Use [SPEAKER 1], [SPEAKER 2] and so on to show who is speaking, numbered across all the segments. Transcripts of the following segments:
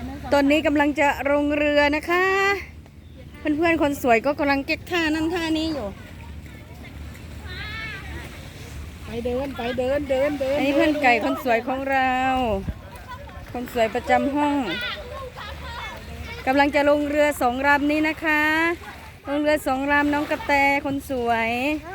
[SPEAKER 1] ตอนนี้กำลังจะลงเรือนะคะ เพื่อนๆคนสวยก็กำลังเก็บท่านั่นท่านี้อยู่
[SPEAKER 2] ไปเดิน
[SPEAKER 1] อันนี้เพื่อนไก่คนสวยของเรา คนสวยประจำห้องกำลังจะลงเรือ2 ลำนี้นะคะลงเรือ2 ลำน้องกระแตคนสวย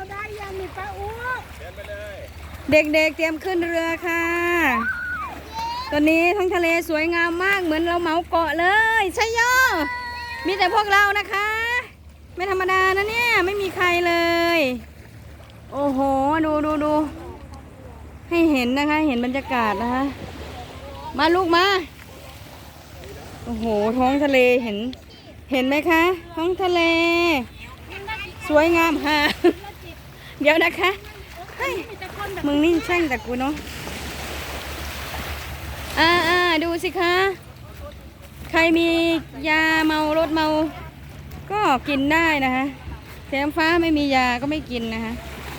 [SPEAKER 1] เด็กๆเตรียมขึ้นเรือค่ะตอนนี้ท้องทะเลสวยงามมากเหมือนเราเหมาเกาะเลยใช่ย่อมีแต่พวกเรานะคะไม่ธรรมดานะเนี่ยไม่มีใครเลยโอ้โหดูให้เห็นนะคะเห็นบรรยากาศนะคะมาลูกมาโอ้โหท้องทะเลเห็นไหมคะท้องทะเลสวยงามค่ะเดี๋ยวนะคะเฮ้ยมึงนี่แช่งแต่กูเนาะดูสิคะใครมียาเมารถเมาก็กินได้นะคะแถมฟ้าไม่มียาก็ไม่กินนะคะ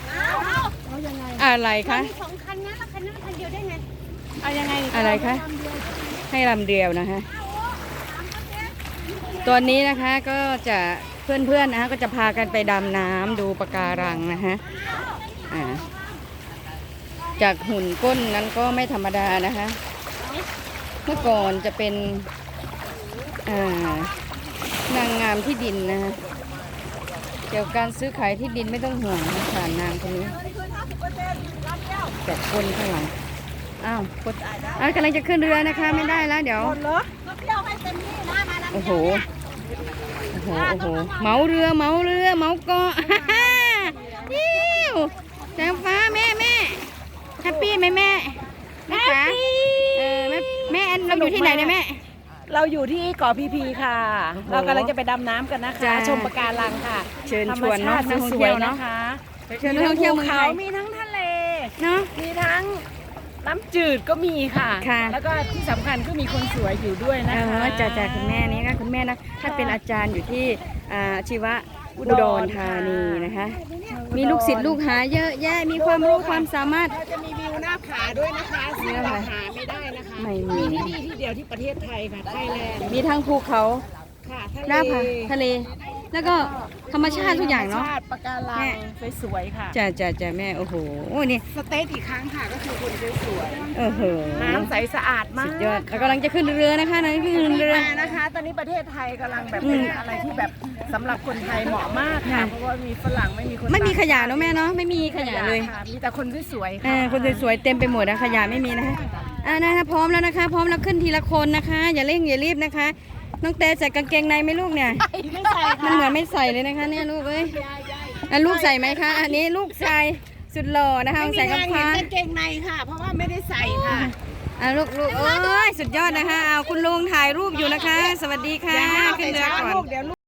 [SPEAKER 1] อะไรคะ
[SPEAKER 3] 2 คันนะแล้วคันนั้นคันเดียวได้ไง
[SPEAKER 2] เอายังไง
[SPEAKER 1] อะไรคะให้ลำเดียวนะคะตอนนี้นะคะก็จะเพื่อนๆนะคะก็จะพากันไปดำน้ำดูปะการังนะคะจากหุ่นก้นนั้นก็ไม่ธรรมดานะคะเมื่อก่อนจะเป็นนางงามที่ดินนะคะเกี่ยวกับการซื้อขายที่ดินไม่ต้องห่วงนะผ่านนางคนนี้แต่คนข้างหลังกำลังจะขึ้นเรือนะคะไม่ได้แล้วเดี๋ยวโอ้โหเหมาเรือเหมาเกาะแสงฟ้าแม่แฮปปี้ไหมแม่คะแม่เราอยู่ที่ไหนเนี่ยแม่
[SPEAKER 2] เราอยู่ที่เกาะพีค่ะเรากำลังจะไปดำน้ำกันนะคะชมปะการังค่ะ
[SPEAKER 1] เชิญชวนเนาะนักท่องเที่ยวนะคะ
[SPEAKER 2] เชิญนักท่องเที่ยวเมืองไทยมีทั้งทะเล
[SPEAKER 1] เนาะ
[SPEAKER 2] มีทั้งน้ำจืดก็มีค่ะแล้วก็ที่สำคัญก็มีคนสวยอยู่ด้วยนะคะ
[SPEAKER 1] จากคุณแม่นี้ก็คุณแม่นะถ้าเป็นอาจารย์อยู่ที่ชีวะอุดรธานีนะคะมีลูกศิษย์ลูกหาเยอะแยะมีความรู้ความสามารถ
[SPEAKER 2] จะมีวิวหน้าผาด้วยนะคะซึ่งเราหาไม่ได้นะคะมีที่นี่ที่เดียวที่ประเทศไทยค่ะไทยแลนด์
[SPEAKER 1] มีทั้งภูเขาหน้าผาทะเลแล้วก็ธรรมชาติทุกอย่างเนาะ
[SPEAKER 2] ปะการังสวยๆค่ะ
[SPEAKER 1] จ้าแม่โอ้โหนี่
[SPEAKER 2] สเตย์อีกครั้งค่ะก็คือคนสวย
[SPEAKER 1] ๆ
[SPEAKER 2] น้ำใสสะอาดมาก
[SPEAKER 1] สุดยอดแล้วกำลังจะขึ้นเรือนะคะนั่นคือเรือ
[SPEAKER 2] นะคะตอนนี้ประเทศไทยกำลังแบบเป็นอะไรที่แบบสำหรับคนไทยเหมาะมากค่ะเพราะว่ามีฝรั่งไม่มี
[SPEAKER 1] ขยะเนาะแม่เนาะไม่มีขยะเลย
[SPEAKER 2] มีแต่คนสวยๆค่ะ
[SPEAKER 1] คนสวยๆเต็มไปหมดนะขยะไม่มีนะคะนะคะพร้อมแล้วนะคะพร้อมแล้วขึ้นทีละคนนะคะอย่าเร่งอย่ารีบนะคะน้องเตใส่กางเกงในไหมลูกเนี่ยมันเหมือนไม่ใส่เลยนะคะเนี่ยลูกเอ้ยลูกใส่ไหมคะอันนี้ลูกชายสุดหล่อนะคะใส่กาง
[SPEAKER 2] เกงในค่ะเพราะว่าไม่ได้ใส่ค่ะ
[SPEAKER 1] ลูกโอ้ยสุดยอดนะคะเอาคุณลุงถ่ายรูปอยู่นะคะสวัสดีค่ะขึ้นเรือก่อน